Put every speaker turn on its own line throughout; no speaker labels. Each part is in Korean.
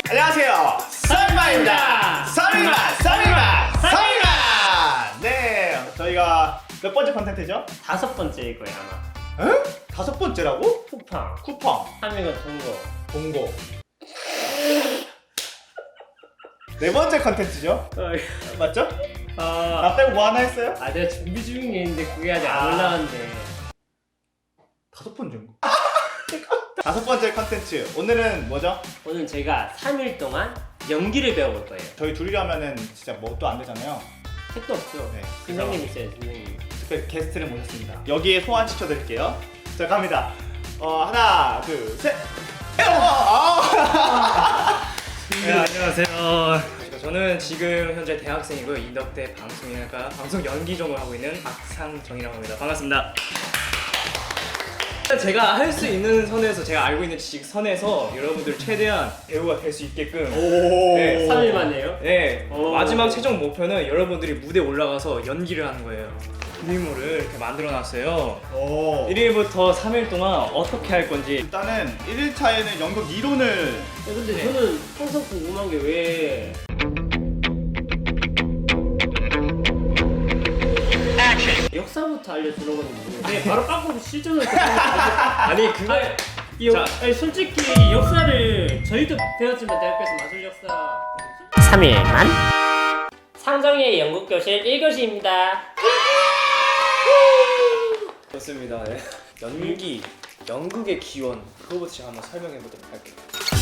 안녕하세요, 썰리만입니다. 썰리만. 네, 저희가 몇 번째 컨텐츠죠?
5번째일 거예요 아마.
에? 5번째라고?
쿠팡.
쿠팡,
3위가
동고. 4번째 컨텐츠죠? 맞죠? 나 빼고 뭐 하나 했어요?
내가 준비 중인 게 있는데 그게 아직
아.
안 올라왔는데.
5번째인가? 5번째 컨텐츠 오늘은 뭐죠?
오늘 제가 3일 동안 연기를 배워볼 거예요.
저희 둘이라면은 진짜 뭐 또 안 되잖아요.
택도 없죠.
네,
선생님 있어요, 선생님.
특별히 게스트를 모셨습니다. 여기에 소환 시켜드릴게요. 자, 갑니다. 하나, 둘, 셋.
네, 안녕하세요. 저는 지금 현재 대학생이고요. 인덕대 방송인학과 방송 연기 전공을 하고 있는 박상정이라고 합니다. 반갑습니다. 제가 할 수 있는 선에서, 제가 알고 있는 지식 선에서 여러분들 최대한 배우가 될 수 있게끔 네,
3일 만에요?
네,
오.
마지막 최종 목표는 여러분들이 무대에 올라가서 연기를 하는 거예요. 준비물을 이렇게 만들어놨어요. 1일부터 3일 동안 어떻게 할 건지.
일단은 1일차에는 연극 이론을
근데
네.
저는 항상 궁금한 게 왜 역사부터 알려주는 건데 바로 빡고 실전을 아니 그거 아니 솔직히 역사를 저희도 배웠지만 대학교에서 마술 역사 3일만 상정의 연극교실 1교시입니다.
좋습니다. 네. 연극의 기원, 그거부터 제가 한번 설명해 보도록 할게요.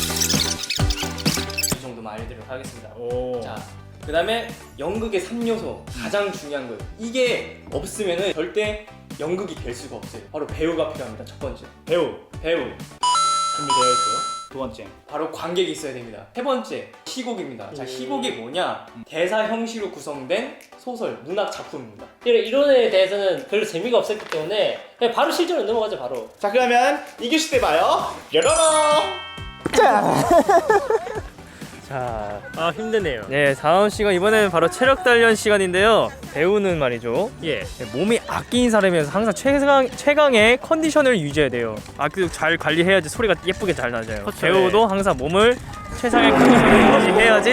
이 정도만 알려드리도록 하겠습니다. 자, 그 다음에 연극의 3요소, 가장 중요한 거예요. 이게 없으면은 절대 연극이 될 수가 없어요. 바로 배우가 필요합니다. 첫 번째, 배우. 준비되어 있고요.
두 번째.
바로 관객이 있어야 됩니다. 세 번째, 희곡입니다. 자, 희곡이 뭐냐? 대사 형식으로 구성된 소설, 문학 작품입니다.
이론에 대해서는 별로 재미가 없었기 때문에 그냥 바로 실전으로 넘어가죠. 바로.
자, 그러면 2교시 때 봐요. 여러러.
자,
힘드네요.
네, 다음 시간 이번에는 바로 체력 단련 시간인데요. 배우는 말이죠.
예.
몸이 악기인 사람이어서 항상 최강의 컨디션을 유지해야 돼요. 악기도 잘 관리해야지 소리가 예쁘게 잘 나잖아요.
그쵸,
배우도 항상 몸을 최상의 컨디션을 유지해야지.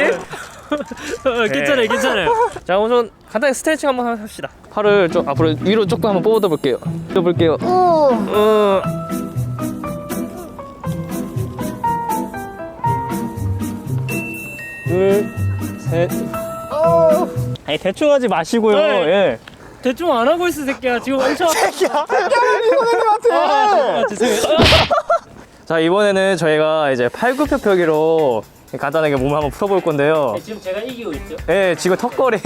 괜찮아요.
자, 우선 간단히 스트레칭 한번 합시다. 팔을 좀 앞으로 위로 조금 한번 뻗어 볼게요. 둘, 셋. 아니 대충 하지 마시고요.
네.
예.
대충 안 하고 있어 새끼야. 지금 엄청. 죄송해요.
자, 이번에는 저희가 이제 팔굽혀펴기로 간단하게 몸을 한번 풀어볼 건데요.
지금 제가 이기고 있죠.
예, 지금 턱걸이.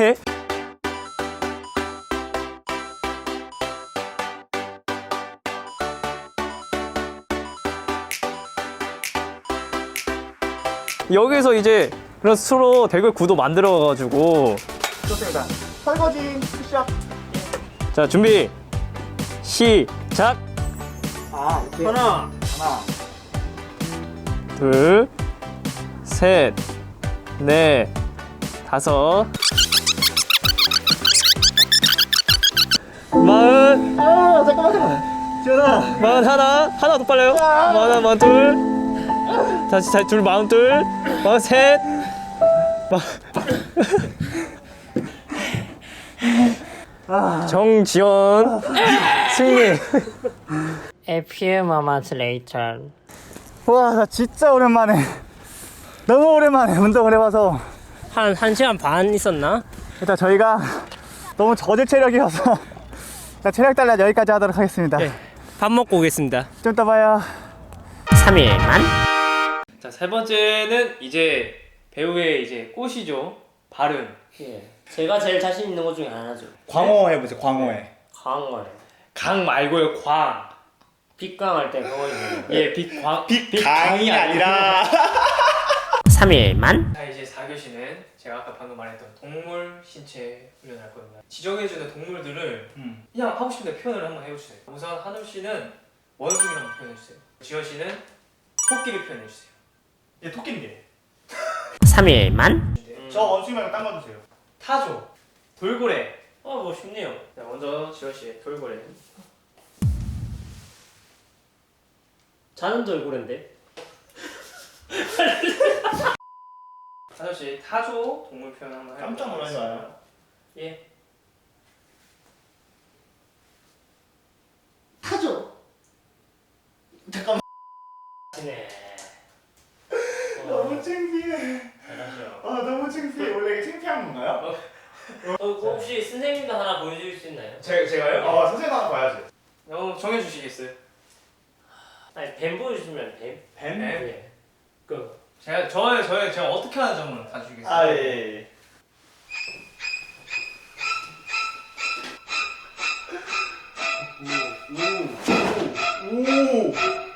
여기서 이제 그런 스스로 대결 구도 만들어가지고.
좋습니다. 설거지 시작.
자, 준비 시작.
오케이.
하나.
둘, 셋, 넷, 다섯, 마흔.
잠깐만. 지현아.
마흔 하나 더 빨라요. 마흔 둘, 다시 둘 마흔 둘, 마흔 셋, 정지원 승리.
A few moments later.
와, 나 진짜 오랜만에. 너무 오랜만에 운동을 해봐서
한 1시간 반 있었나?
일단 저희가 너무 저질 체력이어서 자, 체력 단련 여기까지 하도록 하겠습니다.
네. 밥 먹고 오겠습니다.
좀 이따 봐요.
3일만.
자, 세 번째는 이제 배우의 이제 꽃이죠. 발음.
예. 제가 제일 자신 있는 것 중에 하나죠.
광어 해보세요. 광어해.
강어래.
강 말고요, 광.
빗강할 때 강어지.
예, 빛광.
강이 아니라
3일만.
자, 이제 4교시는 제가 아까 방금 말했던 동물 신체 훈련을 할 겁니다. 지정해주는 동물들을 그냥 하고 싶은 데 표현을 한번 해주세요. 우선 한우 씨는 원숭이를 한번 표현해주세요. 지현 씨는 토끼를 표현해주세요.
얘 토끼인데.
3일만.
저 원숭이 말고 딴 거 주세요.
타조, 돌고래.
뭐 쉽네요.
자, 먼저 지현 씨 돌고래.
자는 돌고래인데.
하정 씨 타조 동물 표현 한번 해볼까요?
깜짝 놀라지 마요.
예.
타조. 잠깐만.
네.
너무 창피해.
잘하죠.
아 너무 창피해. 원래 이게 창피한 건가요?
혹시 선생님도 하나 보여줄 수 있나요?
제가요?
선생님 하나 봐야지.
정해주시겠어요?
아니 뱀 보여주시면 뱀?
뱀?
예. 그
제가 어떻게 하는지 한번 봐주시겠어요?
아 예. 오.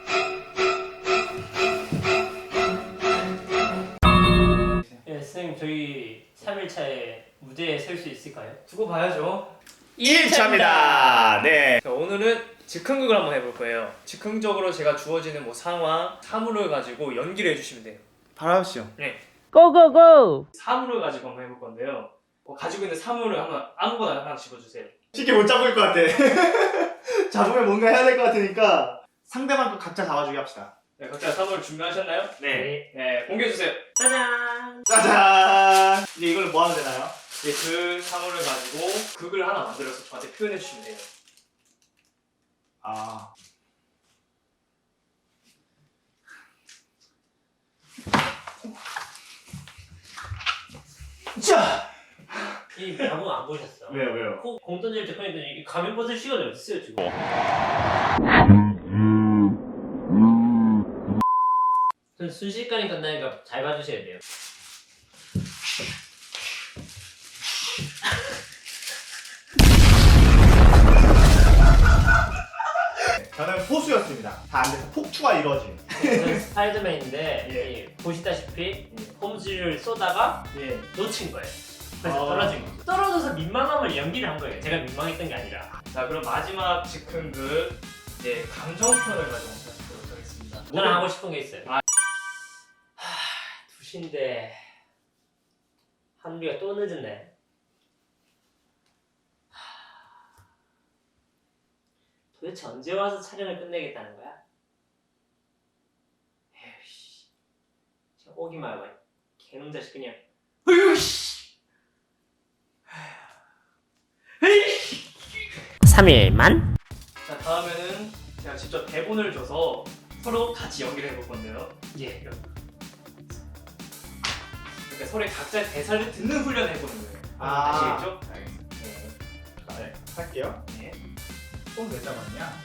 예, 선생님 저희 3일차에 무대에 설 수 있을까요?
두고 봐야죠.
1차입니다. 네.
자, 오늘은 즉흥극을 한번 해볼 거예요. 즉흥적으로 제가 주어지는 뭐 상황, 사물을 가지고 연기를 해주시면 돼요.
바로 하시죠.
고고고!
사물을 가지고 한번 해볼 건데요. 가지고 있는 사물을 한번 아무거나 하나 집어주세요.
쉽게 못 잡을 것 같아. 잡으면 뭔가 해야 될 것 같으니까 상대방 거 각자 잡아주기 합시다.
네, 각자 사물 준비하셨나요? 네, 공개해주세요.
짜잔!
짜잔. 이제 이걸 뭐 하면 되나요?
이제 그 사물을 가지고 극을 하나 만들어서 저한테 표현해 주시면 돼요.
아. 자.
이 야구 안 보셨어?
왜요?
공 던질 때 팬들이 이 가면 벗을 시간이 어딨어요 지금? 전 순식간에 끝나니까 잘 봐주셔야 돼요.
저는 포수였습니다. 다 안 돼서 폭투가 이루어진.
저는 스파이더맨인데
예.
이 보시다시피 홈즈를 쏘다가
예.
놓친 거예요. 그래서 떨어진 거죠. 떨어져서 민망함을 연기를 한 거예요. 제가 민망했던 게 아니라.
자, 그럼 마지막 즉흥극 이제 감정 표현을 가지고 하도록 하겠습니다.
저는 하고 싶은 게 있어요.
아.
2시인데 한비가 또 늦었네. 도대체 언제 와서 촬영을 끝내겠다는 거야? 에이씨, 진짜 오기만 해봐. 개놈 자식 그냥. 으이씨. 3일만?
자, 다음에는 제가 직접 대본을 줘서 서로 같이 연기를 해볼 건데요.
예.
그러니까 서로의 각자의 대사를 듣는 훈련을 해보는 거예요.
아.
아시겠죠?
알겠습니다.
네.
네. 할게요.
네.
손왜 잡았냐?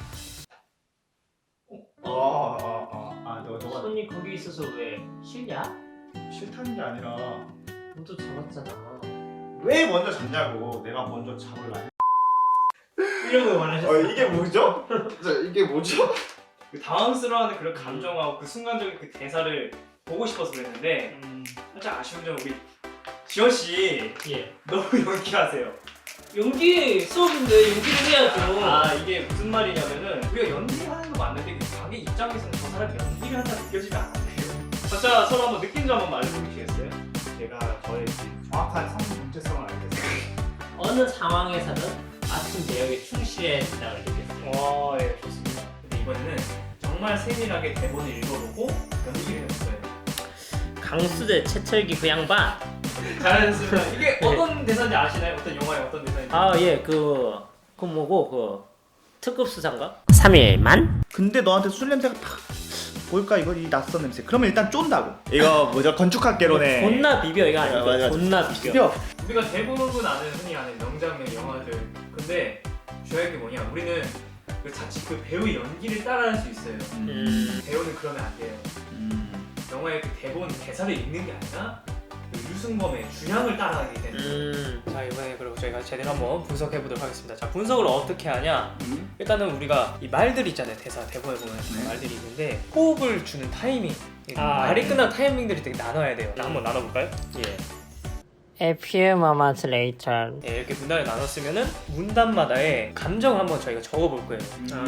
너가
손이 거기 있어서 왜 싫냐?
싫다는 게 아니라
너도 잡았잖아.
왜 먼저 잡냐고. 내가 먼저 잡을라.
이런 거 원하셨어요?
이게 뭐죠? 이게 뭐죠?
그 당황스러워하는 그런 감정하고 그 순간적인 그 대사를 보고 싶어서 그랬는데 살짝 아쉬운 점은 우리 지원 씨
예.
너무 연기하세요.
연기 수업인데 연기를 해야죠.
아, 이게 무슨 말이냐면은 우리가 연기하는 거 맞는데 그 자기 입장에서는 저 사람이 연기를 한다 느껴지면 안 돼요. 각자 서로 한번 느낀 점 한번 알려주시겠어요?
제가 저의 정확한 상품 정체성을 알겠어요.
어느 상황에서는 맞춤 배역에 충실해야 된다고 느꼈어요.
와, 예, 좋습니다. 근데 이번에는 정말 세밀하게 대본을 읽어보고 연기를 해봤어요.
강수대 채철기 그 양반.
잘했습니다. 이게 어떤 대사인지 아시나요? 어떤 영화의 어떤 대사인지?
아 예, 그 뭐고 그 특급 수상가? 3일만?
근데 너한테 술 냄새가 팍 뭘까 이거 이 낯선 냄새. 그러면 일단 쫀다고. 이거 뭐죠? 건축학개론에
존나 비벼 이거 아니고
맞아.
존나 비벼.
비벼.
우리가 대부분 아는 흔히 아는 명장면 영화들. 근데 중요한 게 뭐냐? 우리는 그 자칫 그 배우의 연기를 따라할 수 있어요. 배우는 그러면 안 돼요. 영화의 그 대본 대사를 읽는 게 아니라 그 유승범의 주량을 따라가게 되는. 자, 이번에 그리고 저희가 제대로 한번 분석해 보도록 하겠습니다. 자, 분석을 어떻게 하냐? 일단은 우리가 이 말들 있잖아요. 대사 대본에 보면 말들이 있는데 호흡을 주는 타이밍, 말이 끝난 타이밍들이 되게 나눠야 돼요. 자, 한번 나눠볼까요?
예. A few moments later.
네, 이렇게 문단을 나눴으면은 문단마다의 감정을 한번 저희가 적어볼 거예요.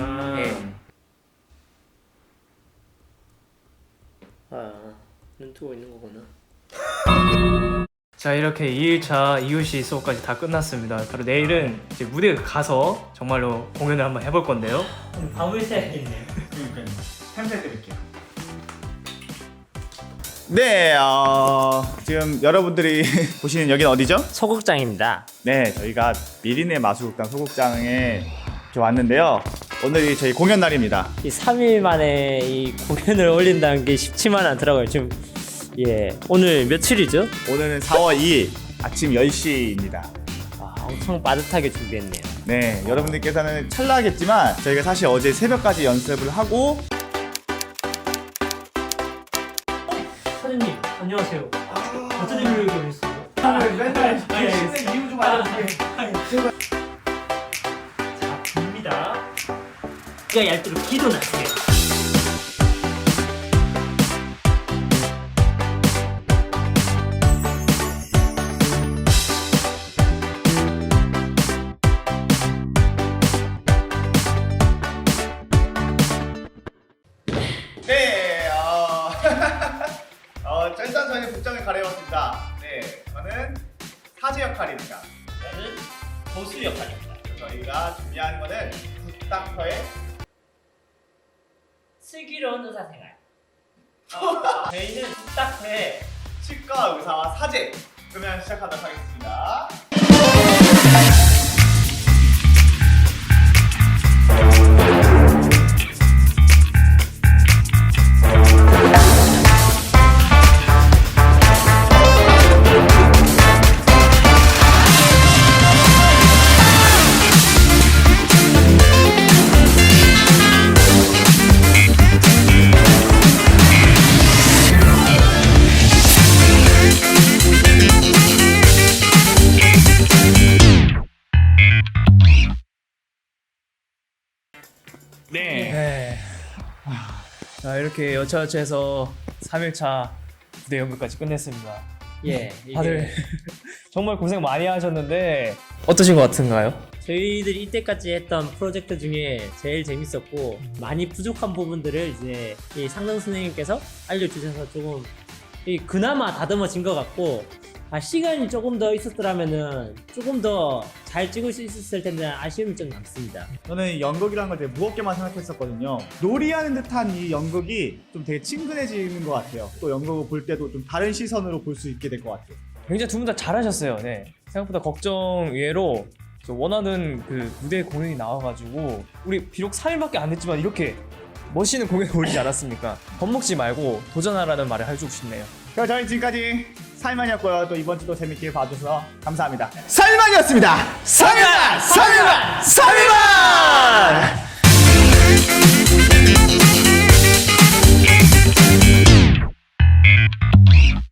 눈 뜨고 있는 거구나.
자, 이렇게 2일차 이유시 수업까지 다 끝났습니다. 바로 내일은 이제 무대에 가서 정말로 공연을 한번 해볼 건데요.
밤을 새야겠네.
그러니까요. 템새 드릴게요. 네, 지금 여러분들이 보시는 여기는 어디죠?
소극장입니다.
네, 저희가 미리네 마술극단 소극장에 이렇게 왔는데요. 오늘이 저희 공연 날입니다.
이 3일 만에 이 공연을 올린다는 게 쉽지만 않더라고요. 지금 오늘 며칠이죠?
오늘은 4월 2일 아침 10시입니다.
엄청 빠듯하게 준비했네요.
네, 여러분들께서는 찰나겠지만 저희가 사실 어제 새벽까지 연습을 하고
사장님 안녕하세요. 어쩐 일로 여기 오셨어요?
맨날 신생 이유 좀 알려주세요.
자, 봅니다. 그가 얄도록 기도 나세요.
네, 일단 저희는 복장을 가려웠습니다. 네, 저는 사제 역할입니다.
저는 보수 역할입니다.
저희가 준비한 거는 굿닥터의
슬기로운 의사생활. 저희는 굿닥터의
치과 의사와 사제. 그러면 시작하도록 하겠습니다.
네. 자, 이렇게 여차여차해서 3일차 무대 연극까지 끝냈습니다.
이게
다들 정말 고생 많이 하셨는데 어떠신 것 같은가요?
저희들이 이때까지 했던 프로젝트 중에 제일 재밌었고 많이 부족한 부분들을 이제 이 상당 선생님께서 알려주셔서 조금 그나마 다듬어진 것 같고 시간이 조금 더 있었더라면은 조금 더 잘 찍을 수 있었을 텐데 아쉬움이 좀 남습니다.
저는 연극이라는 걸 되게 무겁게만 생각했었거든요. 놀이하는 듯한 이 연극이 좀 되게 친근해지는 것 같아요. 또 연극을 볼 때도 좀 다른 시선으로 볼 수 있게 될 것 같아요.
굉장히 두 분 다 잘하셨어요. 네. 생각보다 걱정 외로 저 원하는 그 무대 공연이 나와가지고 우리 비록 3일밖에 안 됐지만 이렇게 멋있는 공연을 올리지 않았습니까? 겁먹지 말고 도전하라는 말을 해주고 싶네요.
그럼 저희 지금까지 살만이었고요. 또 이번 주도 재밌게 봐주셔서 감사합니다. 살만이었습니다. 살만! 살만! 살만!